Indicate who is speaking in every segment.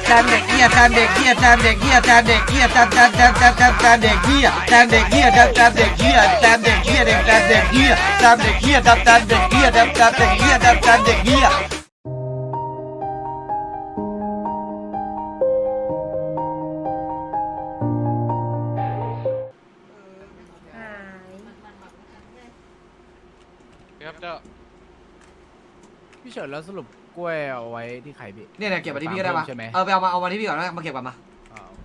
Speaker 1: แทนเด็กเหี้ยแทนเด็กเหี้ยแทนเด็กเหี้ยแทนเด็กเหี้ยแทนเด็กเหี้ยแทนเด็กเหี้ยแทนเด็กเหี้ยแทนเด็กเหี้ยแทนเด็กเหี้ยแทนเด็กเหี้ยแทนเด็กเหี้ยแทนเด็กเหี้ยแทนเด็กเหี้ยแทนเด็กเหี้ย
Speaker 2: ครับเจ้า
Speaker 3: พี่เฉินแล้วสรุปกล้วยเอาไว้ที่ใครพี่
Speaker 1: เนี่ยเก็บมาที่พี่ก็ได้ปะ
Speaker 3: ใช่ไหม
Speaker 1: ไปเอามาที่พี่ก่อนแล้วมาเก็บก่อนมา
Speaker 3: โอเค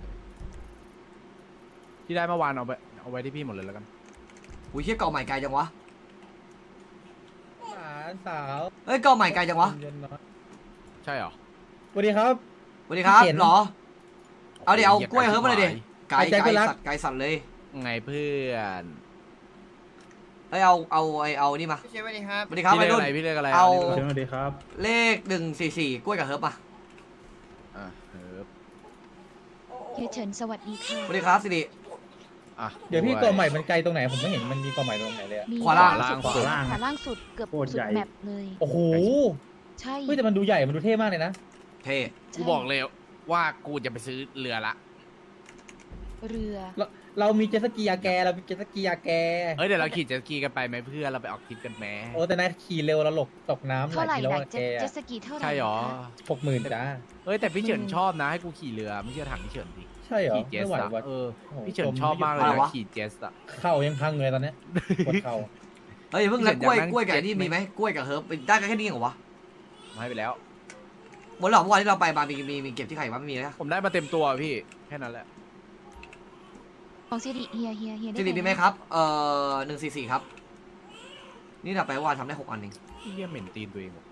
Speaker 3: ที่ได้เมื่อวานเอาไว้ที่พี่หมดเลยแล้วกัน
Speaker 1: อุ้ยเชี่ยเกาะใหม่ไกลจังวะ
Speaker 4: หลานสาว
Speaker 1: เฮ้ยเกาะใหม่ไกลจังวะ
Speaker 4: เย็นน้อย
Speaker 3: ใช่เหรอ
Speaker 4: สวัสดีครับ
Speaker 1: สวัสดีครับ
Speaker 4: เห็น
Speaker 1: หรอเอาดิเอากล้วยเฮิร์บมาเลยดิไก่
Speaker 4: ใจก็รัก
Speaker 1: สัตว์ไก่สัตว์เลย
Speaker 3: ไงเพื่อน
Speaker 1: เฮ้ยเอานี่มา
Speaker 5: พี่เชฟสวัสดีครับ
Speaker 1: สวัสดีครับ
Speaker 3: พี่
Speaker 1: วัย
Speaker 3: เรียก
Speaker 1: รุ่น
Speaker 3: อะไรพี่เรียกอะไร
Speaker 1: เอา
Speaker 4: สวัสดีครับ
Speaker 1: เลข144กล้วยกับเฮิร์บมา
Speaker 3: อ่ะเฮิร์บ
Speaker 6: เฮียเฉินสวัสดีค่ะ
Speaker 1: สวัสดีครับสิริ
Speaker 3: อ่ะ
Speaker 4: เดี๋ยวพี่กอใหม่มันไกลตรงไหนผมไม่เห็นมันมีกอใหม่ตรงไหนเลยอะ
Speaker 6: มี
Speaker 1: ขวาล่าง
Speaker 6: สุด
Speaker 3: ขวาล่าง
Speaker 6: ขวาล่างสุดเกือบ
Speaker 4: โคตร
Speaker 6: สุ
Speaker 4: ให
Speaker 6: ด
Speaker 4: ญ่
Speaker 6: แมปเลย
Speaker 4: โอ้โห
Speaker 6: ใช่
Speaker 4: เฮ้ยแต่มันดูใหญ่มันดูเท่มากเลยนะ
Speaker 1: เท่
Speaker 3: กูบอกเลยว่ากูจะไปซื้อเรือละ
Speaker 6: เรือ
Speaker 4: เรามีเจ็ตสกีอาแกเรามีเจ็ตสกีอาแก
Speaker 3: เฮ้ยเดี๋ยวเราขี่เจ็ตสกีกันไปไหมเพื่อนเราไปออกทริปกันไหม
Speaker 4: โอ้แต่นายขี่เร็วเราหลบตกน้ำห
Speaker 6: เท่า
Speaker 4: ลาย
Speaker 6: ไหร่
Speaker 4: กิโล
Speaker 6: นะ
Speaker 4: อาแก
Speaker 6: เจ็ตสกีเท่าไหร่
Speaker 3: ใช่หรอ
Speaker 6: คะ
Speaker 4: 60,000จ้า
Speaker 3: เฮ้ยแต่พี่เฉินชอบนะให้กูขี่เรือไม่เชื่อถามพี่เฉินดิ
Speaker 4: ใช่เหรอ
Speaker 3: ขี่เจ็ต
Speaker 4: ไม่ไหว
Speaker 3: อะ
Speaker 4: ว่ะ
Speaker 3: เออ
Speaker 4: โอ้โห
Speaker 3: พี่เฉินชอบมากเลยนะขี่เจ็ตอะ
Speaker 4: เข่ายังพังเลยตอนเนี้ยปวดเข่า
Speaker 1: เฮ้ยอย่าเพิ่งแล้วกล้วย
Speaker 3: อยากนั่ง
Speaker 1: กล้วยกับ
Speaker 3: เจ็ต
Speaker 1: นี่
Speaker 3: ไหม
Speaker 1: มีไหมกล้วยกับเฮิร์บได้กันแค่นี้เหรอวะ
Speaker 3: ให้ไปแล้ว
Speaker 1: หมดหรอเมื่อวานที่เราไปมามีเก็บที่ไข่วะไม่มีนะ
Speaker 3: ผมได้มาเต็มตัวพี่แค่นั้นแหละ
Speaker 6: ของสิริเฮียได้
Speaker 1: สิริมีไหมครับ144ครับนี่เราไปเมื่อวานทำได้6 อันเอง
Speaker 3: พี่เยี่ยเหม็นตีนตัวเองว่ะ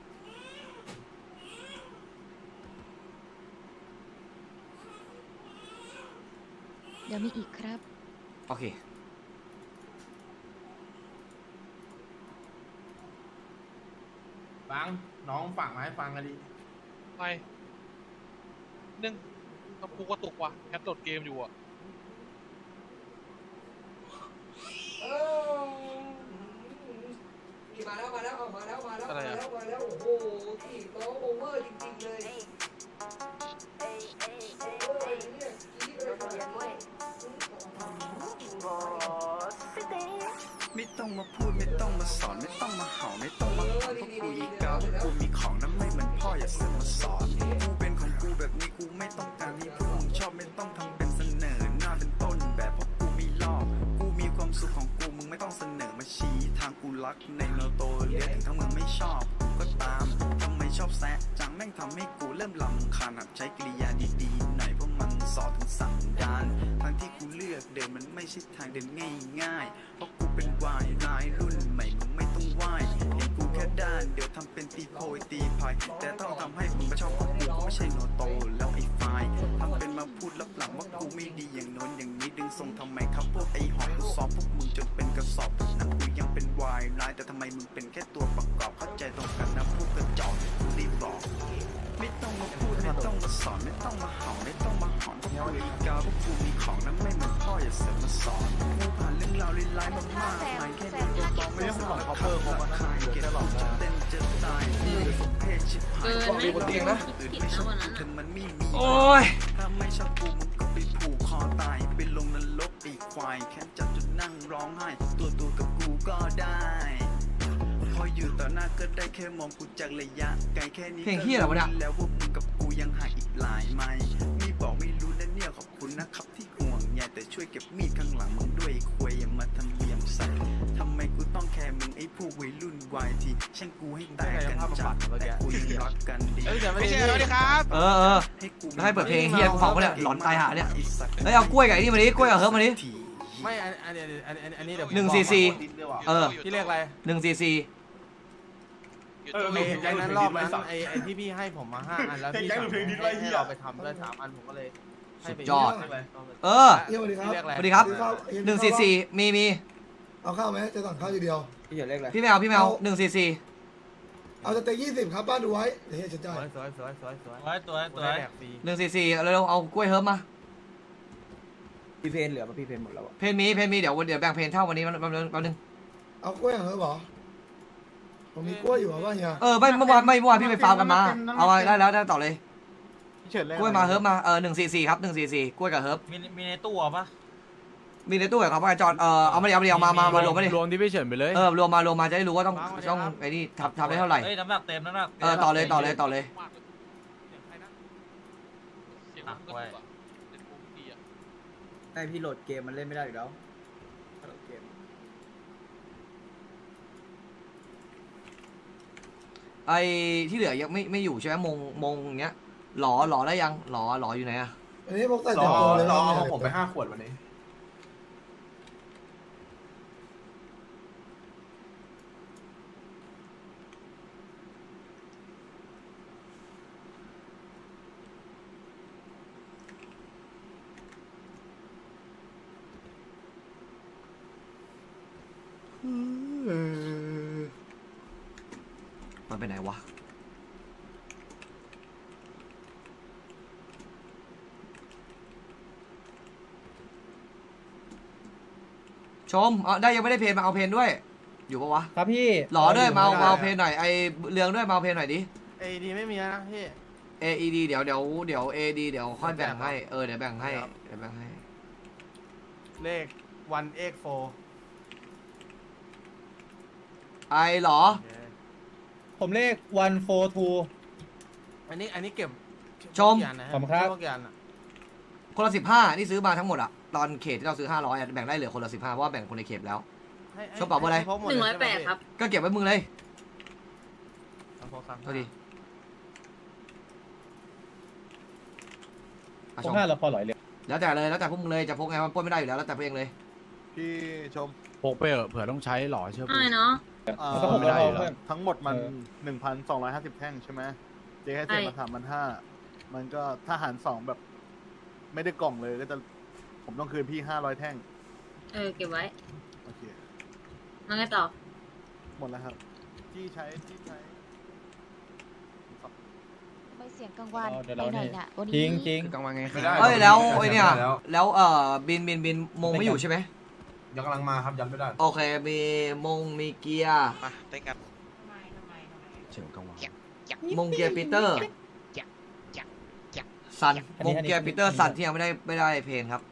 Speaker 6: เดี๋ยวมีอีกครับ
Speaker 1: โอเค
Speaker 7: ฟังน้องฝากมาให้ฟังกันดิ
Speaker 2: ไปนึ่งต้องกูกระตุกว่ะแคปโหลดเกมอยู่อ่ะ
Speaker 1: มาแล้วโอ้โหที่โต๊ะโอเวอร์จริงๆเลย
Speaker 8: ไม่ต้องมาพูดไม่ต้องมาสอนไม่ต้องมาเห่าไม่ต้องมาหอนพวกกูอีกาพวกกูมีของนั้นไม่เหมือนพ่ออย่าเสือกมาสอนกูเป็นของกูแบบนี้กูไม่ต้องการให้พวกมึงชอบไม่ต้องทำเป็นเสนอหน้าเป็นต้นแบบเพราะกูไม่ลอกกูมีความสุขของกูมึงไม่ต้องเสนอมาชี้ทางกูรักในโนโตเลียถึงถ้ามึงไม่ชอบก็ตามทำไมชอบแซะจังแม่งทำให้กูเริ่มลำคาญหัดใช้กริยาดีๆหน่อยเพราะมันสอนถึงสันดานทางที่กูเลือกเดินมันไม่ใช่ทางเดินง่ายๆเพราะกูเป็นวายร้ายรุ่นใหม่มึงไม่ต้องไหวเห็นกูแค่ด้านเดี๋ยวทำเป็นตีโพยตีพายแต่ต้องทำให้มึงมาชอบของกูก็ไม่ใช่โนโตแล้วไอ้ไฟทำเป็นมาพูดลับหลังว่ากูไม่ดีอย่างโน้นอย่างนี้ดึงทรงทำไมครับพวกไอ้หอมกูซ้อมพวกมึงจนเป็นกระสอบพวกนั้นกูยังเป็นวายร้ายแต่ทำไมมึงเป็นแค่ตัวประกอบเข้าใจตรงกันนะพวกกระจอกกูรีบบอกไม่ต้องมาพูดไม่ต้องมาสอนไม่ต้องมาเห่าไม่ต้องมาหอนพวกกูอีกาพวกกูมีของนั้นไม่เหมือนพ่ออย่าเสือกมาสอนกูผ่านเรื่องราวร้ายๆมามากมายแค่เดียวก็ไม่สอนเขาเพิ่มมาขายเก็บหลอกจะเต้นจะตายสมเพศชิบหาย
Speaker 1: มีบนเตียงนะ
Speaker 8: อื่นไม่ชอบเธอมันไม่มี
Speaker 1: โอ้ย
Speaker 8: ถ้าไม่ชอบกูมึงก็ไปผูกคอตายไปลงนรกไอ้ควายแค่จับจนนั่งร้องไห้ตัวกับกูก็ได้พออยู่ต่อหน้าก็ได้แค่มองกูจากระยะไกลแค่นี้
Speaker 1: เพลงเหี้ยเหรอวะเนี่ย
Speaker 8: แล้วว่ามึงกับกูยังห่างอีกหลายไมล์มีบอกไม่รู้นะเนี่ยขอบคุณนะครับที่ห่วงใยแต่ช่วยเก็บมีดข้างหลังมึงด้วยควยอย่ามาทำเลียมใส่ทำไมกูต้องแคร์มึงไอ้พวกวัยรุ่นวายที่ช่างกูให้แตกกันจัดแต่กูยังรักกันดี
Speaker 2: ไม่ใช่สวัสดีครับ
Speaker 8: ให้กู
Speaker 1: ให้เปิดเพลงเฮียกูฟังปะเนี่ยหลอนตายหาเนี่ยเฮ้ยเอากล้วยกับไอ้นี่มาดิกล้วยกับเฮิร์บมาดิ
Speaker 7: ไม่อันนี้เดี๋ยวผม
Speaker 1: 144
Speaker 7: พี่เรียกอะไร
Speaker 1: 144
Speaker 7: ไอ้แก๊งนั้นรอบนั้นไอ้ที่พี่ให้ผมมา5 อันแล้วพี่สั่งให้เราไปทำด้วย3 อันผมก็เลยให้ไป
Speaker 1: สุดยอด
Speaker 7: ให้ไป
Speaker 1: พี่
Speaker 7: พี่เรียกอะไร
Speaker 1: สวัสดีครับ144มี
Speaker 9: เอาข้าวไหมจะสั่งข้าวทีเดียว
Speaker 4: พี่เฉินเลขอะไร
Speaker 1: พี่แมว144
Speaker 9: เอาสเต็ก20ครับบ้านดูไว้เดี๋ยวเฮียจะจ่าย
Speaker 7: สวยตัวแดกฟรี
Speaker 1: 144เร็วๆเอากล้วยเฮิร์บมา
Speaker 4: พี่เพนเหลือป่ะพี่เพนหมดแล้ว
Speaker 1: เพนมีเดี๋ยวแบ่งเพนเท่าวันนี้มันแป๊บนึง
Speaker 9: เอากล้วยเหรอเหรอผมมีกล้วยอยู่เหรอวะเฮีย
Speaker 1: ไม่เมื่อวานพี่ไปฟาร์มกันมาเอาไว้ได้แล้วได้ต่อเลย
Speaker 7: เฉินเลย
Speaker 1: กล้วยมาเฮิร์บมา144ครับ144กล้วยกับเฮิร์บ
Speaker 7: มีในตู้ปะ
Speaker 1: มีในตู้เหรอครับอาจารย์เอามารวมไม่ดิ
Speaker 3: รวมที่พี่เฉินไปเลย
Speaker 1: รวมมาจะได้รู้ว่าต้องไอ้นี่ทำได้เท่าไหร่
Speaker 7: เฮ้ยน้ำหนักเต็มน้ำหนัก
Speaker 1: ต่อเลย
Speaker 2: มากเลยเสียงมันกระตุกอะเล่นโกงดีอะ
Speaker 4: ไอพี่โหลดเกมมันเล่นไม่ได้อยู่แล้วโหลดเกม
Speaker 1: ไอ้ที่เหลือยังไม่อยู่ใช่ไหมมงอย่างเงี้ยหล่อได้ยังหล่ออยู่ไหนอะ
Speaker 9: อันนี้พวกใส่แต่ตัวเลย
Speaker 5: เอา
Speaker 9: นะ
Speaker 5: ของผมไป5 ขวดวันนี้
Speaker 1: มันไปไหนวะชมได้ยังไม่ได้เพนมาเอาเพนด้วยอยู่ปะวะ
Speaker 4: ครับพี่
Speaker 1: หล่อด้วยมาเอาเพนหน่อยไอเรืองด้วยมาเอาเพนหน่อยดิ
Speaker 7: เอดีไม่มีนะพี่
Speaker 1: AED เดี๋ยว AD เดี๋ยวค่อยแบ่งให้เดี๋ยวแบ่งให้
Speaker 7: เลขวันเอ็กโฟ
Speaker 1: ไอเหรอ
Speaker 4: ผมเลข142
Speaker 7: อันนี้เก็บ
Speaker 1: ชม
Speaker 4: ขอบคุณครับ
Speaker 7: ทุกอย่างอะ
Speaker 1: คนละ15นี่ซื้อมาทั้งหมดอะตอนเขตที่เราซื้อ500อะแบ่งได้เหลือคนละ15เพราะว่าแบ่งคนในเขตแล้ว
Speaker 7: ให้
Speaker 1: ชอบเป่าเบอร์อะไร
Speaker 7: คบหมดเลยใช่ไหมพี่
Speaker 10: 108 ครับ
Speaker 1: ก็เก็บไว้มึงเลย
Speaker 7: เอาโทรศัพท์
Speaker 1: เท่าดี
Speaker 4: ผม5แล้วพอหลอยเลย
Speaker 1: แล้วแต่พวกมึงเลยจะพกไงมันปล้นไม่ได้อยู่แล้วแต่พวกเองเลย
Speaker 5: พี่ชม
Speaker 3: พกไปเถอะเผื่อต้องใช้หล่อเชื่อ
Speaker 10: ใช่เนาะ
Speaker 4: มันก็ผมไม่ได้อยู่แล้ว
Speaker 5: ทั้งหมดมัน 1,250 แท่งใช่ไหมเจ๊ให้เสร็จมา3,500มันก็ถ้าหาร2แบบ ไม่ได้กล่องเลยก็จะผมต้องคืนพี่500 แท่ง
Speaker 10: เก็บไว้
Speaker 5: โอเค
Speaker 10: แล้วไงต่อ
Speaker 5: หมดแล้วครับที่ใช้
Speaker 6: ทำไมเสียงกังวาน
Speaker 4: เดี๋ยว
Speaker 6: ไป
Speaker 4: เรา
Speaker 6: หน่
Speaker 4: เนี่
Speaker 6: อย
Speaker 4: ย
Speaker 6: น่ะวัน
Speaker 4: จริ
Speaker 6: นี้
Speaker 4: งจริง
Speaker 3: กลางวันไง
Speaker 5: ไม่ได้
Speaker 1: เอ้ยแล้วไอ้เนี่ยแล้วบินมงไม่อยู่ใช่ไหม
Speaker 5: ยังกำลังมาครับยันไม่ได้
Speaker 1: โอเคมีมงมีเกียร์
Speaker 2: มาเต้นกัน
Speaker 3: เฉินกลางวัน
Speaker 1: มงเกียร์ปีเตอร์ซันมงเกียร์ปีเตอร์ซันที่ยังไม่ได้เพนครับ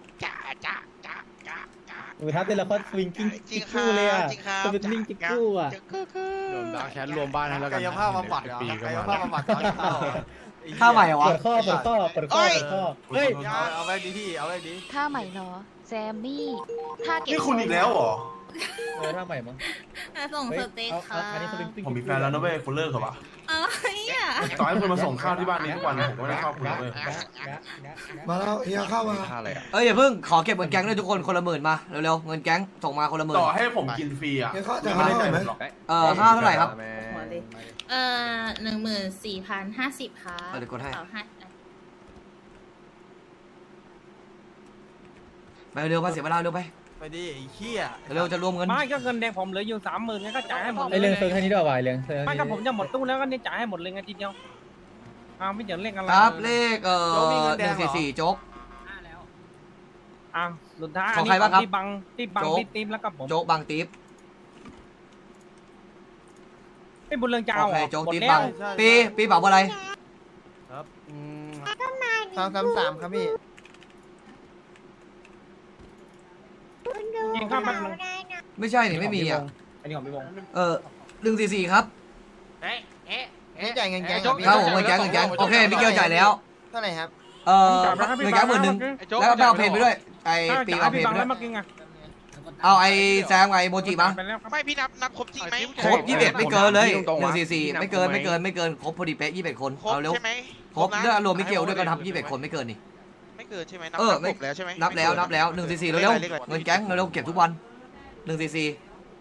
Speaker 4: ถ้าเต้นแล้วก็สวิงกิ้งจิ๊กกู้เลยอ่ะสวิงกิ้งจิ๊กกู้อ่ะ
Speaker 3: รวมดาวแคทรวมบ้านให้แล้วกัน
Speaker 7: กายภาพบำบัดเหรอก
Speaker 3: ปีก็
Speaker 7: กาย
Speaker 3: มา
Speaker 7: ภาพบำบัดตอนเข้า
Speaker 1: ท่าใหม่เหรอวะ
Speaker 4: เปิดข้อเฮ้ย
Speaker 7: เอาไว้ดีพี่เอาไว้ดี
Speaker 6: ท่าใหม่เนาะแซมมี่ท่าเก็บ
Speaker 5: นี่คุณอีกแล้วเหรอ
Speaker 4: ท่าใหม่มั้ง
Speaker 10: ส่งสเต็กค่ะ
Speaker 4: อันนี้สวิงกิ้ง
Speaker 5: ผมมีแฟนแล้วนะเว้ยคุณเลิกเหรอวะ
Speaker 10: อะไรอ่ะ
Speaker 5: ต่อให้คุณมาส่งข้าวที่บ้านนี้ทุกวันผมก็ไม่ได้ชอบคุณเลยเว้ย
Speaker 9: มาแล้วเฮียเข้ามา
Speaker 1: อย่าเพิ่งขอเก็บเงินแก๊งด้วยทุกคนคนละ10,000มาเร็วๆเงินแก๊งส่งมาคนละ10,000
Speaker 5: ต่อให้ผมกินฟรีอ่ะ
Speaker 9: เฮียเข้าจะ
Speaker 5: ไม่
Speaker 9: เข้า
Speaker 5: ได้
Speaker 9: ไหม
Speaker 5: หรอก
Speaker 1: ค่าเท่าไหร่ครับ
Speaker 10: หัวเลย14,050ค่ะ
Speaker 1: เดี๋ยวกดให้
Speaker 10: ต่อให้
Speaker 1: ไปเร็วมาเสียเวลาเร็วไป
Speaker 7: ไปดิไอ้เหี้ย
Speaker 1: เร็วจะรวมเงิน
Speaker 11: ไม่ก็เงินแดงผมเหลืออยู่30,000งั้นก็จ่ายให้หมด
Speaker 4: ไอเรื่องเซิร์ฟแค่นี้ด้วยวายเรื่อง
Speaker 11: ไม่ก็ผมจะหมดตู้แล้วก็เนี่ยจ่ายให้หมดเลยไงทีเดียวไม่เดี๋ยวเล่นกัน
Speaker 1: ครับเลข144โจ๊ก
Speaker 11: สุดท้าย
Speaker 1: ของใครบ้างครับ
Speaker 11: ที่บัง
Speaker 1: โจ๊ก
Speaker 11: ที่ทีมแล้วก็ผม
Speaker 1: โจ๊กบางตีฟ
Speaker 11: ไม่บุญเรื่องเจ้า
Speaker 1: โอเคโจ๊ก
Speaker 11: หมด
Speaker 1: ตีฟ
Speaker 11: แล้
Speaker 1: บาว งปีเป๋าอะไร
Speaker 7: ครับ333ครับพี่
Speaker 11: ยิงข้ามมันง
Speaker 1: ไม่ใช่นี่ไม่มีอ่ะ
Speaker 4: อันนี้ของพี่วง
Speaker 1: 144ครับ
Speaker 7: นี่จ่ายเงินแก๊ง
Speaker 1: ครับผมเงินแก๊งโอเคมิเกลจ่ายแล้ว
Speaker 7: เท่าไหร่ครับ
Speaker 1: เงินแก๊ง10,000แล้วก็เอาเพนไปด้วยไอปีเอาเพน
Speaker 11: บั
Speaker 1: ไป
Speaker 11: ง
Speaker 1: ด้
Speaker 11: แล้ว วย เมื่อกี้ไง
Speaker 1: เอาไอแซมไอโมจิมา
Speaker 11: ไปแล้วครับ
Speaker 2: ไม่พี่นับครบจริงไหม
Speaker 1: ครบ21ไม่เกินเลย144ไม่เกินครบพอดีเป๊ะ21คน
Speaker 2: ครบ
Speaker 1: เอาเร็ว
Speaker 2: ใช่ไหม
Speaker 1: ครบแล้วรวมมิเกลด้วยก็ทำ21คนไม่เกินนี่
Speaker 2: ไม่เกินใช่ไหมนับ
Speaker 1: เออ
Speaker 2: ครบแล้วใช่ไหม
Speaker 1: นับแล้ว144เร็วๆเงินแก๊งเร็วๆเก็บทุกวัน144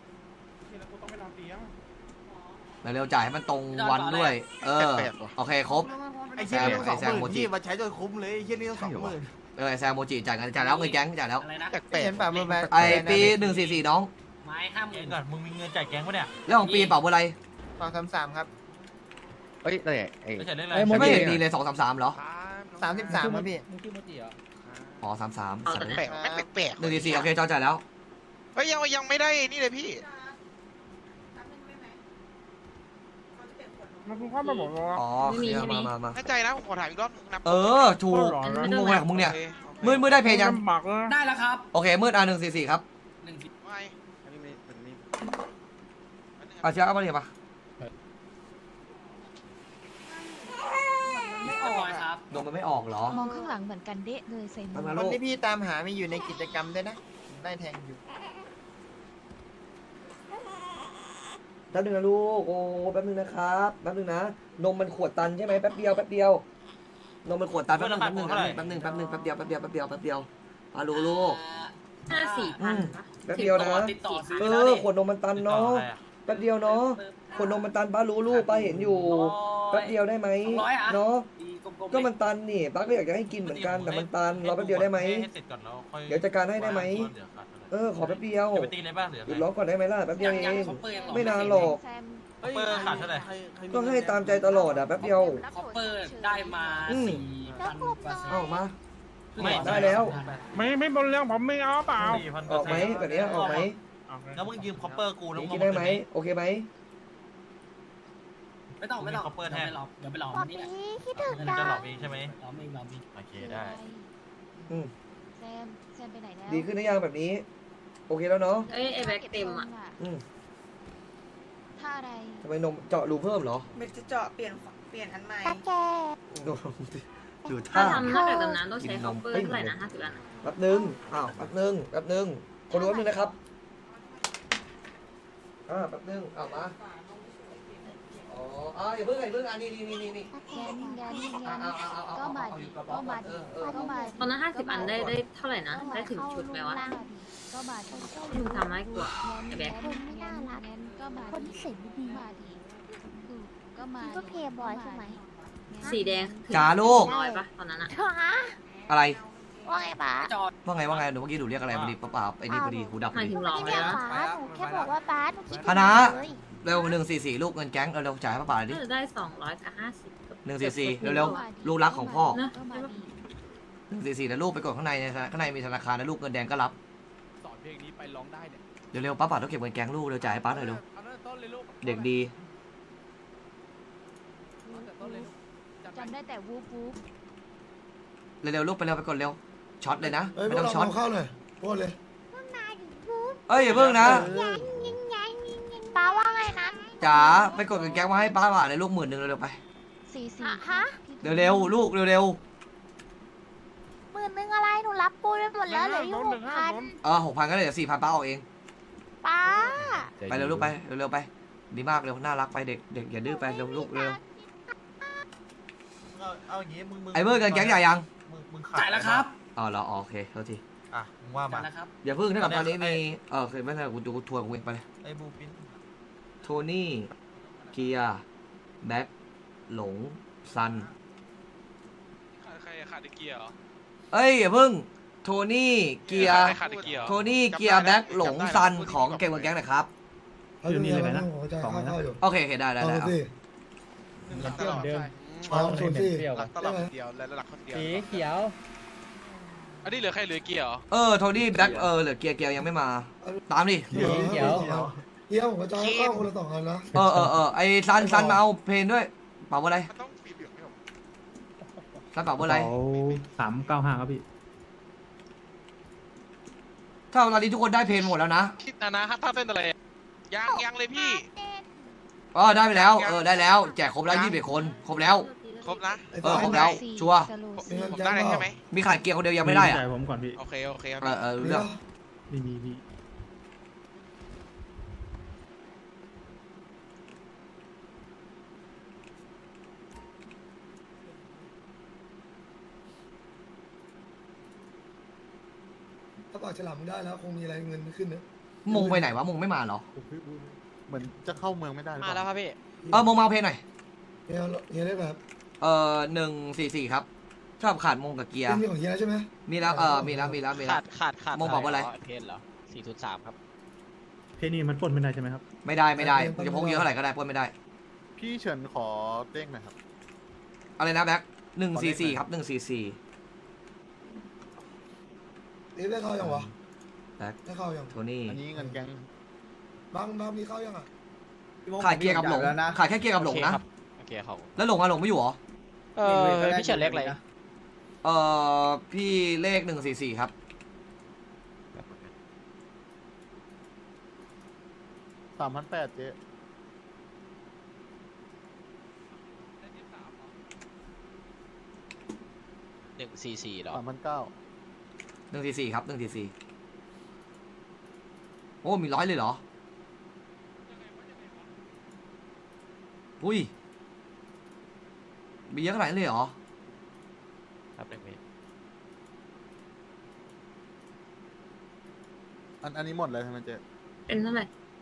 Speaker 1: เร็วๆจ่ายให้มันตรงวันด้วยโอเคครบ
Speaker 7: ไอ้เหี้ยนี่ต้อง20,000พี่มาใช้จนคุ้มเลยไอ้เหี้ยนี่ต้อง20,000
Speaker 1: แซมโมจิจ่ายเงินจ่ายแล้วเงินแก๊งจ่ายแล้ว
Speaker 7: เห็นป่ะมึงแบบ
Speaker 1: ไอปี144น้อง
Speaker 11: ไม้ข้ามก่อนมึงมีเงินจ่ายแก๊งปะเนี่ย
Speaker 1: แล้วของปีเป๋าเบอร์อะไร
Speaker 7: 233ครับ
Speaker 3: เฮ้ยอะไร
Speaker 11: ไม่ใช่เรื่องอะ
Speaker 4: ไอ้
Speaker 11: ไร
Speaker 4: โม
Speaker 1: ไม่
Speaker 4: จิ
Speaker 1: เห็นมีเลย233เหรอ
Speaker 7: 33ครับพี่
Speaker 4: มึงชื่อโมจิเหรอ
Speaker 1: อ๋อ33
Speaker 2: แปลกไม่แปลก
Speaker 1: 144โอเคจอจ่ายแล้ว
Speaker 2: เฮ้ยยังไม่ได้นี่เลยพี่
Speaker 11: มันคุณข้ามาบอกว่า
Speaker 1: อ๋อเคลียร์มา
Speaker 2: แน่ใจนะผมขอถามอีกรอบนับ
Speaker 1: ถูกมึงงงอะไรของมึงเนี่ยมืดได้เพลงยัง
Speaker 11: หมักเลย
Speaker 4: ได้แล้วครับ
Speaker 1: โอเคมืด144ครับ
Speaker 2: ไม่
Speaker 1: เชียร์เอามาเรียบปะ
Speaker 4: ไม่ออกครับ
Speaker 1: นมมันไม่ออกเหรอ
Speaker 6: มองข้างหลังเหมือนกันเดะเลยใส่หมวก
Speaker 1: คนที่พี่ตามหา
Speaker 7: มีอยู่ในกิจกรรมด้วยนะได้แทงอยู่
Speaker 1: แป๊บนึงนะลูกโอ้แป๊บนึงนะครับแป๊บนึงนะนมมันขวดตันใช่ไหมแป๊บเดียวนมมันขวดตันแป๊บนึงแป๊บเดียวอาลูลูก
Speaker 10: 54,000ปะ
Speaker 1: แป๊บเดียวนะ
Speaker 4: ติดต่อซื้อ
Speaker 1: ขวดนมมันตันเนาะแป๊บเดียวเนาะขวดนมมันตันป้ารู้ลูกป้าเห็นอยู่แป๊บเดียวได้ไหมเนาะก็มันตันนี่ป้าก็อยากจะให้กินเหมือนกันแต่มันตันรอแป๊บเดียวได้ไหมเดี๋ยวจัดการให้ได้ไหมขอแป๊บเดียวหยุดร้องก่อนได้ไหมล่ะแป๊บเดียวเองไม่นานหรอก
Speaker 6: แซม
Speaker 4: เปิดขาดเท่าไหร่
Speaker 1: ก็ให้ตามใจตลอดอ่ะแป๊บเดียว
Speaker 4: คอปเปอร์ได้มา4,000
Speaker 1: เอามา
Speaker 4: ไม่
Speaker 1: ได้แล้ว
Speaker 11: ไม่บนเรื่องผมไม่เอาเปล่า
Speaker 1: ออกไหมแบบนี้ออกไหม
Speaker 7: แล้วมึงยืมคอปเปอร์กูแล้ว
Speaker 1: กินได้ไหมโอเคไหม
Speaker 4: ไม่ต้องคอปเปอร์แทนเดี๋ยวไปหลอกนี่แหละ
Speaker 6: คิดถึง
Speaker 7: จะหลอกเองใช่ไหม
Speaker 4: หลอกเอง
Speaker 7: โอเคได้
Speaker 6: แซมไปไหนแล้ว
Speaker 1: ดีขึ้นหรือยังแบบนี้ โอเคแล้วเนาะ
Speaker 10: เอ้ยไอ้แบ็คเต็มอ่ะ
Speaker 6: ท่าอะไร
Speaker 1: ทำไมนมเจาะรูเพิ่มเหรอ
Speaker 12: เม็ดจะเจาะเปลี่ยนอันใหม่
Speaker 6: ตาแก
Speaker 1: ดู
Speaker 10: ถ้า
Speaker 1: ท่า
Speaker 10: ทำนอกจากดำน้ำต้องใช้คอปเปอร์เท่าไหร่นะ50 อัน
Speaker 1: แป๊บนึงแป๊บนึงคนรู้แป๊บนึงนะครับแป๊บนึงมาอย่าเพิ่งนี่
Speaker 6: งั้นก็มาดิ
Speaker 10: ตอนนั้น50 อันได้เท่าไหร่นะได้ถึงชุดไหมวะ
Speaker 6: ก็มาดิ
Speaker 10: มึงทำได้กว่าไอ้แบ็ค
Speaker 6: คนไม่น่ารักก็มาคนเสียงดีมาดิก็มาก็เพย์บอยใช่ไหม
Speaker 10: สีแดงถึง
Speaker 1: จ๋าลูก
Speaker 10: ร้อยปะตอนนั้นอะ
Speaker 1: อะไร
Speaker 6: ว่าไงป๋า
Speaker 1: ว่าไงหนูเมื่อกี้หนูเรียกอะไรพอดีป้าไอ้นี่พอดีหูดับพ
Speaker 10: ห
Speaker 1: อ
Speaker 10: มาย
Speaker 1: ดี
Speaker 10: ถึงร้อย
Speaker 6: ไม่ได้
Speaker 10: แล้ว
Speaker 6: ป๋าหนูแค่บอกว่าป๋าหนูคิด
Speaker 1: คณะ เร็ว144ลูกเงินแก๊งเร็วจ่ายให้ป้าดิ
Speaker 10: ได้200กับ50
Speaker 1: 144เร็วลูกรักของพ่อ
Speaker 10: นะ
Speaker 1: 144แล้วลูกไปกดข้างในมีธนาคารแล้วลูกเงินแดงก็รับ
Speaker 3: สอนเพลงนี้ไปร้องได้เนี่ย
Speaker 1: เร็วป้าต้องเก็บเงินแก๊งลูกเร็วจ่ายให้ป้าหน่อยเร็ว
Speaker 3: เอาตั้งแต่ต้นเลยลูก
Speaker 1: เด็กดี
Speaker 3: เอาตั้งแต่ต้นเลยลูก
Speaker 6: จำได้แต่วูบวูบ
Speaker 1: เร็วลูกไปเร็วไปกดเร็วช็อตเลยนะ
Speaker 9: เฮ้ยพ
Speaker 1: ไม่
Speaker 9: วก
Speaker 1: ต้อง
Speaker 9: เรา
Speaker 1: ช็อต
Speaker 9: เอาเข้าเลยพูดเลย
Speaker 1: เอ้ยอย่าเพิ่งนะ
Speaker 6: ป้าว่าไงนะ
Speaker 1: จ๋าไปกดเงินแก๊งมาให้ป้าบ่าเลยลูก10,000เร็วไป
Speaker 6: ฮะ
Speaker 1: เร็วลูกเร็ว
Speaker 6: 10,000อะไรหนูรับปูไปหมดแล้วเหลืออยู่6,000
Speaker 1: 6,000ก็เลยเดี๋ยว4,000ป้าออกเอง
Speaker 6: ป้า
Speaker 1: ไปเร็วลูกไปเร็วไปดีมากเร็วน่ารักไปเด็กอย่าดื้อไปเร็วลูกเร็ว
Speaker 7: เอาอย่างงี้มึง
Speaker 1: ไอ้เบิร์ดเงินแก๊งใหญ่ยัง
Speaker 7: มึง
Speaker 4: จ่ายแล้วครับ
Speaker 1: เหรอโอเคเท่าที
Speaker 7: มึงว่ามา
Speaker 4: จ่ายแล้วครับ
Speaker 1: อย่าเพิ่งถ้ากับตอนนี้มีเคยไม่ใช่กูทัวร์กูเองไปเลย
Speaker 7: ไอ้บูปิน
Speaker 1: โทนี่เกียร์แบ็คหลงซัน
Speaker 2: ใครขาดเกียร์เหรอ
Speaker 1: เอ้ยอย่าเพิ่งโทนี่เกียร์
Speaker 2: ใครขาดเกียร์
Speaker 1: โทนี่เกียร์แบ็คหลงซันของเก่งกว่าแก๊งหน่อยครับ
Speaker 9: เอาอยู่นี่เลยนะผมจะเข้าอยู่
Speaker 1: โอเคได้
Speaker 9: เอาสิ
Speaker 2: หลักตลอด
Speaker 9: เอาสูตรสิ
Speaker 2: หลักตลอดเดียวและหลักคนเดียว
Speaker 11: สีเขียว
Speaker 2: อันนี้เหลือใครเหลือเกียร์เหรอ
Speaker 1: โทนี่แบ็คเหลือเกียร์ยังไม่มา ตามดิ
Speaker 9: เดี๋ยวผมจะเข้าคนละ2 อันนะ
Speaker 1: ไอ้ซันมาเอาเพลงด้วยเป่าอะไร
Speaker 2: มันต้องสีเหลืองไม่หรอ
Speaker 1: ซันเป่าอะไร
Speaker 11: 395ครับพี่
Speaker 1: ถ้าตอนนี้ทุกคนได้เพลงหมดแล้วนะ
Speaker 2: คิดนะถ้าเต้นอะไรยังเลยพี่
Speaker 1: ได้ไปแล้วได้แล้วแจกครบแล้ว21 คนครบแล้ว
Speaker 2: ครบนะ
Speaker 1: ครบแล้วชัวร์
Speaker 2: ผมได้ใช่ไหม
Speaker 1: มีขาดเกียร์คนเดียวยังไม่ได้อะ
Speaker 11: ผมก่อนพี่
Speaker 2: โอเคครับ
Speaker 1: เรื่อง
Speaker 11: ไม่มีพี่
Speaker 9: ถ้าปากฉลามมึงได้แล้วคงมีอะไรเงินขึ้นนะ
Speaker 1: มงไปไหนวะมงไม่มาเหรอ
Speaker 5: เหมือนจะเข้าเมืองไม่ได้
Speaker 12: มาแล้วครับพี่
Speaker 1: มงมาเอาเพลงหน่อย
Speaker 9: เฮียได้แบบ
Speaker 1: 144ครับชอบขาดมงกับเกียร์
Speaker 9: มีของเฮียใช่ไหม
Speaker 1: มีแล้วมีแล้ว
Speaker 12: ขาด
Speaker 1: มงบอกว่าอะไร
Speaker 12: เพนเหรอ403ครับ
Speaker 11: เพนี่มันปล้นไม่ได้ใช่ไหมครับ
Speaker 1: ไม่ได้มึงจะพกเยอะเท่าไหร่ก็ได้ปล้นไม่ได้
Speaker 5: พี่เฉินขอเด้งหน่อยครับ
Speaker 1: อะไรนะแบ็ค144ครับ144
Speaker 9: ได้เข้ายังวะ
Speaker 1: แบ็ค
Speaker 9: ได้เข้ายัง
Speaker 1: โทนี่
Speaker 5: อันนี้เงินแก๊ง
Speaker 9: บางมีเข้ายังอ่ะ
Speaker 1: ขาดเกียร์กับหลงขาดแค่เกียร์กับหลงนะ
Speaker 12: โอเคเคเขา
Speaker 1: แล้วหลงไม่อยู่เหรอ
Speaker 12: พี่เฉินเล็กอะไร
Speaker 1: พี่เลข144ครับ
Speaker 5: 3,800เจ๊
Speaker 12: 144หรอ
Speaker 5: 3,900
Speaker 1: 144ครับ144โอ้มี100เลยเหรออุ้ยมีเยอะขนาดนั้นเลยเหรอ
Speaker 12: ครับ1 เมตร
Speaker 5: อันนี้หมดเลยใช่ไหมเจ๊
Speaker 10: เป็นเท่าไหร่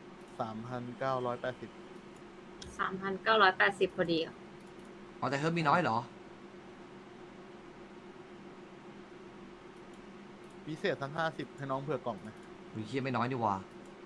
Speaker 5: 3,980
Speaker 10: 3,980พอดีอ่ะ
Speaker 1: อ๋อแต่เฮิร์บมีน้อยเหรอ
Speaker 5: พิเศษทั้ง50ให้น้องเผื่อกล่องไหม
Speaker 1: อุ้ยเฮียไม่น้อยนี่หว่า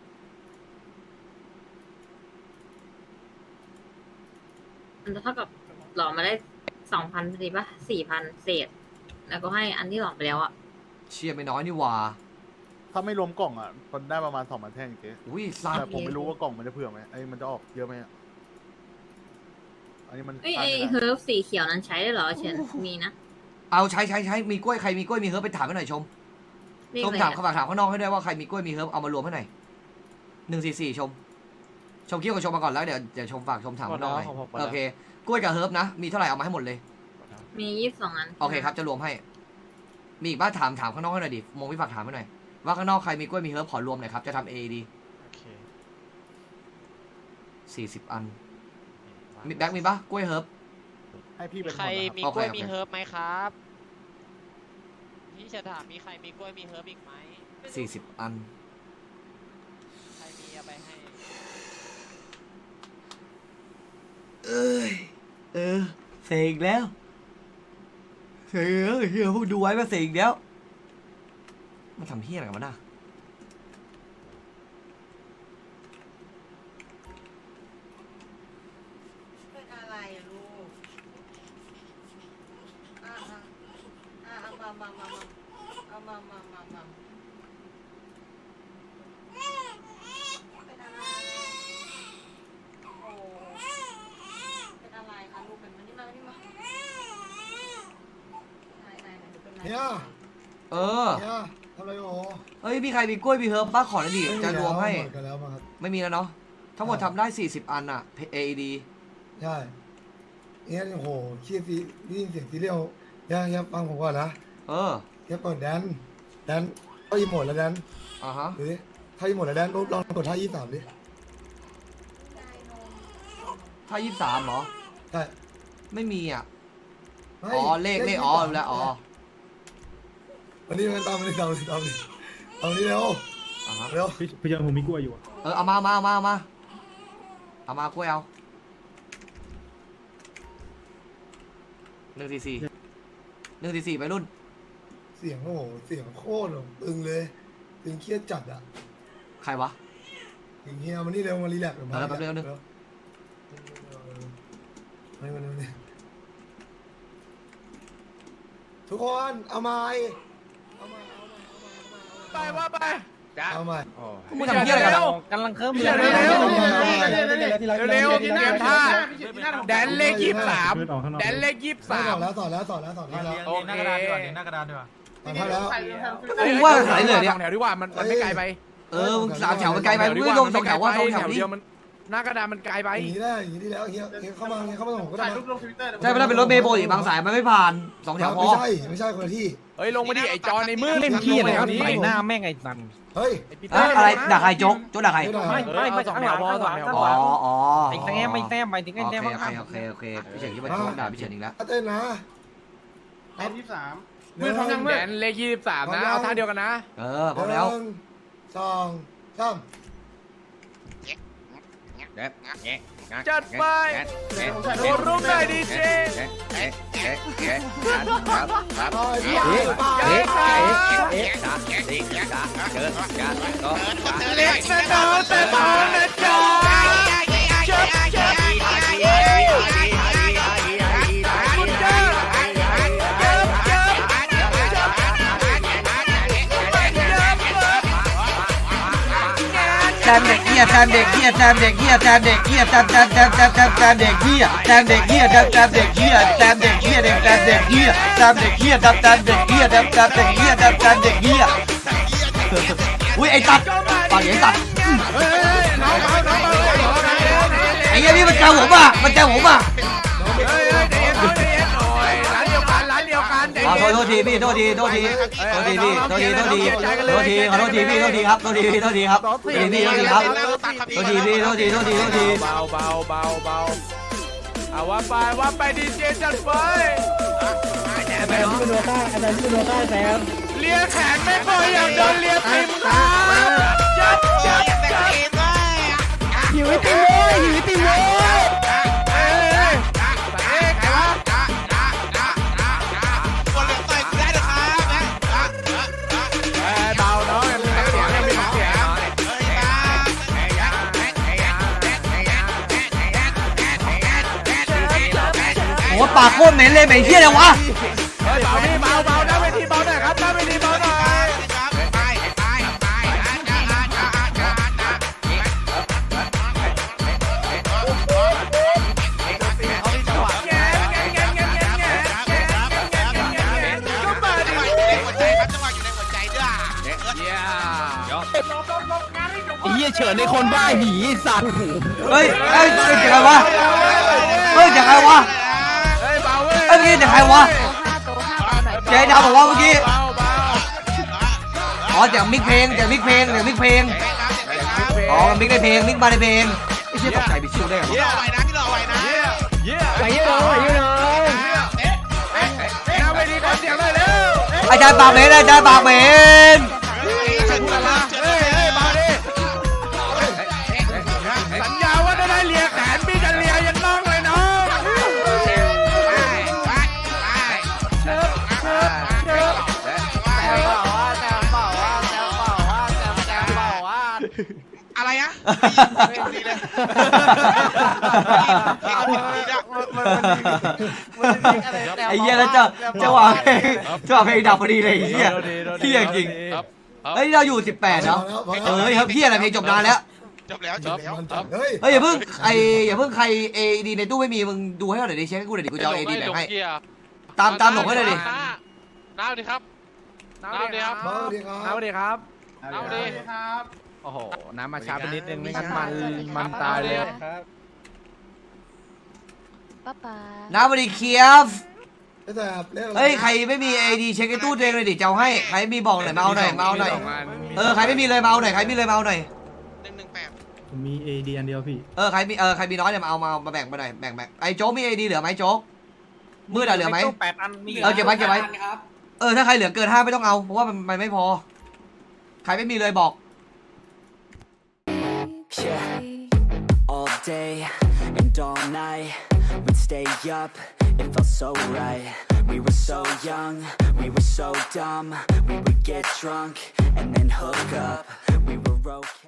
Speaker 10: มันจะเท่ากับหลอมมาได้ 2,000พอดีป่ะ 4,000 เศษ แล้วก็ให้อันที่หลอมไปแล้วอ่ะ
Speaker 1: เชียไม่น้อยนี่หว่า
Speaker 5: ถ้าไม่รวมกล่องอ่ะคนได้ประมาณ2,000แท่งเจ๊
Speaker 1: อุ้ยสัต
Speaker 5: แต่
Speaker 1: ว์
Speaker 5: ผมไม่รู้ว่ากล่องมันจะเผื่อไหมมันจะออกเยอะไหมอ่ะอันนี้มัน
Speaker 10: เอ้ย
Speaker 5: ขาด
Speaker 10: ไอ
Speaker 5: ไม่ได้
Speaker 10: เฮิร์บสีเขียวนั้นใช้ได้เหรอเฉินมีนะ
Speaker 1: เอาใช้มีกล้วยใครมีกล้วยมีเฮิร์บไปถามให้หน่อยชม
Speaker 10: เรียก
Speaker 1: ชม
Speaker 10: อะไร
Speaker 1: ถาม
Speaker 10: อะ
Speaker 1: เขาฝากถามข้างนอกให้ด้วยว่าใครมีกล้วยมีเฮิร์บเอามารวมให้หน่อย144ชมคิ้วกับชมมาก่อนแล้วเดี๋ยวชมฝากชมถามข้างนอกหน่อยโอเคกล้วยกับเฮิร์บนะมีเท่าไหร่เอามาให้หมดเลย
Speaker 10: มี22อัน
Speaker 1: โอเคครับจะรวมให้ มีอีกบ้างถามข้างนอกให้หน่อยดิมงพี่ฝากถามให้หน่อยว่าข้างนอกใครมีกล้วยมีเฮิร์บขอรวมหน่อยครับจะทำ AD
Speaker 12: โอเค
Speaker 1: 40 อันมีแบ็คมีปะกล้วยเฮิร์บ
Speaker 5: ให้พี่เป็น
Speaker 12: ใคร
Speaker 5: หมด
Speaker 12: มี
Speaker 5: นะครับ
Speaker 12: กล้วย
Speaker 1: โอเค
Speaker 12: มีเฮิร์บไหมครับพี่จะถามมีใครมีกล้วยมีเฮิร์บอีกไหม
Speaker 1: 40 อัน
Speaker 12: ใครมีเอาไปให้
Speaker 1: เสกแล้วเฮียพวกดูไว้มาเสกอีกแล้วมันทำเฮียอะไรกันวะน่ะ
Speaker 12: เป็นอะไรอะลูกเอามาเอามาเป็นอะไรโอ้เป็นอะไรคะลูกเป็นมานี่มาไหนดูเป็นอะไร
Speaker 9: เฮีย
Speaker 1: เออ
Speaker 9: เฮียทำอะไรโอ้
Speaker 1: เอ้ยมีใครมีกล้วยมีเฮิร์บบ้างขอหน่อยดิจะรวมให้
Speaker 9: หมดกันแล้วมั้งครับ
Speaker 1: ไม่มีแล้วเนาะทั้งหมดทำได้40 อันอะ AED
Speaker 9: ใช่เฮียโอ้โหขี้ซีได้ยินเสียงซีเรียลเฮียฟังผมก่อนนะ
Speaker 1: เออ
Speaker 9: เฮียเปิดแดนเข้าอีโหมดแล้วแดน
Speaker 1: อ่าฮะ
Speaker 9: ดูดิเข้าอีโหมดแล้วแดนลองกดท่า23ดิ
Speaker 1: ถ้า23เหรอ
Speaker 9: ใช่
Speaker 1: ไม่มีอ่ะ
Speaker 9: ไม่
Speaker 1: อ๋อเลขอ๋อรู้แล้วอ๋อ
Speaker 9: วันนี้มันตามมาดิตามดิเอานี้เร็ว
Speaker 1: อ่าฮะ
Speaker 9: เร็ว
Speaker 4: พี่เจอผมมีกล้วยอยู่
Speaker 1: เอามากล้วยเอา144ไปรุ่น
Speaker 9: เสียงโอ้โหเสียงโคตรตึงเลยตึงเครียดจัดอ่ะ
Speaker 1: ใครวะ
Speaker 9: ถึงเฮียมันนี่เร็วมารีแลกซ์มา
Speaker 1: แป๊บนึง
Speaker 9: ไม่ทุกคนเอาไม้
Speaker 3: ไปว่าไป
Speaker 9: เอาไม้
Speaker 1: มึงทำเหี้ยอะไรกันอะ
Speaker 11: กำลังเคิร์ม
Speaker 3: เร็วเร็วเตรียมท่าแดนเลข23แดนเลข
Speaker 9: สอนแล้ว
Speaker 3: 23
Speaker 9: สอนแล้ว
Speaker 3: โอเค
Speaker 11: หน้ากระดานดีกว่าหน้ากระดานดีกว่า
Speaker 9: สอนแล้ว
Speaker 1: มึงว่าไหนเลยเนี่ย
Speaker 3: สองแถวดีกว่ามันไม่ไกลไป
Speaker 1: มึง3 แถวมันไกลไปมึงไม่ลง2 แถวว่า2 แถวนี่
Speaker 3: เดียวมันหน้ากระดานมันไกลไป
Speaker 9: อย่างนี้ได้อย่างนี้แล้วเฮียเข้ามาผมก็ได้
Speaker 1: ใช่ไม่ได้เป็นรถเมล์โบอีกบางสายมันไม่ผ่าน2 แถวพอ
Speaker 9: ไม่ใช่คนละที่
Speaker 3: เฮ้ยลงมาดิไอจอในมือ
Speaker 11: เล่นขี้อะไร
Speaker 3: แถ
Speaker 11: ครับ
Speaker 3: วนี้
Speaker 11: ใส่หน้าแม่งไอ้สัน
Speaker 9: เฮ้ย
Speaker 1: อะไรด่าใครโจ๊กด่าใคร
Speaker 11: ไม่สองแถวพอสองแถวพอ
Speaker 1: อ๋อ
Speaker 11: ไอ้แต้มไม่แต้มไปถึงไอ้แต้ม
Speaker 1: โอเคพี่เฉินที่มาโจ๊กด่าพี่เฉินอีกแล้ว
Speaker 9: เต้นนะ
Speaker 3: มือทำยังแดนเลข23นะเอาท่าเดียวกันนะ
Speaker 1: พร้อมแล้ว
Speaker 9: 1 2 3
Speaker 3: จัดไปโดนรูปหน่อยดีเจเล็กนะน้องแต่โตนะจ๊ะ
Speaker 1: แดนเด็กเหี้ยยแซมเด็กเหี้ยแซมเด็กเหี้ยแซมเด็กเหี้ยแซมเด็กเหี้ยแซมเด็กเหี้ยแซมเด็กเหี้ยแซมเด็กเหี้ยแซมเด็กเหี้ยแซมเด็กเหี้ยแซมเด็กเหี้ยแซมเด็กเหี้ยแซมเด็กเหี้ยอุ้ยไอ้ตัดปากไอ้ตัดไอ้เหี้ยนี่มันเจอผมอ่ะมันเจอผมอ่ะโทษทีพี่โทษทีพี่ขอโทษทีครับโทษทีพี่โทษทีครับโทษทีพี่โทษทีครับโทษที
Speaker 3: เบาเอาว่าไปดีเจจัดไป
Speaker 4: แซมที่เป็นโนต้าแซมที่เป็นโนต้าแซม
Speaker 3: เลียแขนไม่พออยากโดนเลียตีมือจับ
Speaker 4: หิวไอติมเลยหิวไอติมเลย
Speaker 3: ใครวะเบาน้องยังมีเสียง
Speaker 1: โอ้ปากโคตรเหม็นเลยเหม็นเหี้ยเลยวะ
Speaker 3: เบาพี่เบาหน้าเวทีเบาหน่อยครับหน้าเวทีเบาหน่อย
Speaker 7: เฮียเฉินในคนบ้าหีสัตว์
Speaker 1: เฮ้ยจากใครวะจากใครวะเมื่อกี้จากใครวะเจ๊ดาวบอกว่าเมื่อกี้อ๋อจากมิกเพลงอ๋อมิกได้เพลงมิกมาได้เพลงไอ้เชี่ยตกใจไปชิวได้เหรออาจารย์ปากเหม็น
Speaker 3: สัญญาว่าได้เลียแขนพี่จะเลียยันน้องเลยน้องอะไรอะ
Speaker 1: ไอ้เหี้ยแล้วจะวางเพลงดับพอดีเลยไอ้เหี้ยเหี้ยจริงเฮ้ยเราอยู่18เนาะครับเหี้ยอะไรเพลงจบนานแล้วเฮ้ยอย่าเพิ่งใครเอดีในตู้ไม่มีมึงดูให้หน่อยดิเช็คให้กูหน่อยดิกูจะเอาเอดีแบ่งให้ตามหลงให้เลยดิ
Speaker 2: น้าดีครับ
Speaker 3: โอ้โหน้ำมาช้าไปนิดนึงไม่งั้นมันตายเลย
Speaker 6: ป้า
Speaker 1: น้ำบริเคียฟเฮ้ยใครไม่มีเอดีเช็คในตู้ตัวเองเลยดิจะเอาให้ใครมีบอกหน่อยมาเอาหน่อยใครไม่มีเลยมาเอาหน่อย
Speaker 4: ผมมีเอดีอันเดียวพี่
Speaker 1: ใครมีน้อยเนี่ยมาแบ่งไปหน่อยแบ่งไอ้โจ๊กมีเอดีเหลือไหมโจ๊กมืดเหลือไหม
Speaker 11: 8 อันมี
Speaker 1: เก็บไว้ถ้าใครเหลือเกิน5ไม่ต้องเอาเพราะว่ามันไม่พอใครไม่มีเลยบอก
Speaker 8: All day and all night we'd stay up, it felt so right. We were so young, we were so dumb. We would get drunk and then hook up. We were okay.